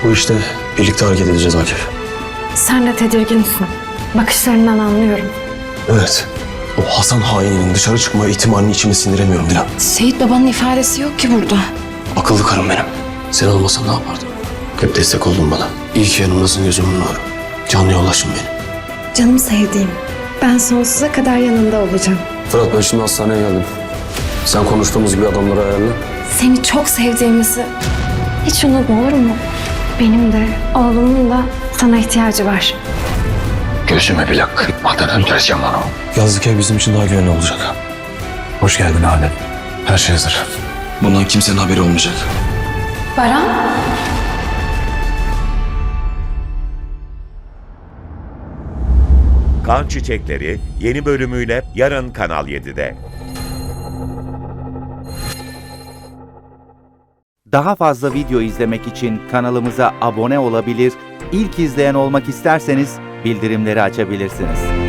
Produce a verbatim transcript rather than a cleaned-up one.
Bu işte birlikte hareket edeceğiz Akif. Sen de tedirginsin. Bakışlarından anlıyorum. Evet. O Hasan haininin dışarı çıkma ihtimalini içime sindiremiyorum Dilan. Seyit babanın ifadesi yok ki burada. Akıllı karım benim. Sen olmasan ne yapardım? Hep destek oldun bana. İyi ki yanımdasın gözümün nuru. Canlı yoldaşım benim. Canım sevdiğim. Ben sonsuza kadar yanında olacağım. Fırat ben şimdi hastaneye geldim. Sen konuştuğumuz gibi adamları ayarla. Seni çok sevdiğimizi hiç unutma, olur mu? Benim de oğlumun da sana ihtiyacı var. Gözüme bile kırpmadan öldüreceğim onu. Yazlık ev bizim için daha güvenli olacak. Hoş geldin Adem. Her şey hazır. Bundan kimsenin haberi olmayacak. Baran? Kan Çiçekleri yeni bölümüyle yarın Kanal yedide. Daha fazla video izlemek için kanalımıza abone olabilir, ilk izleyen olmak isterseniz bildirimleri açabilirsiniz.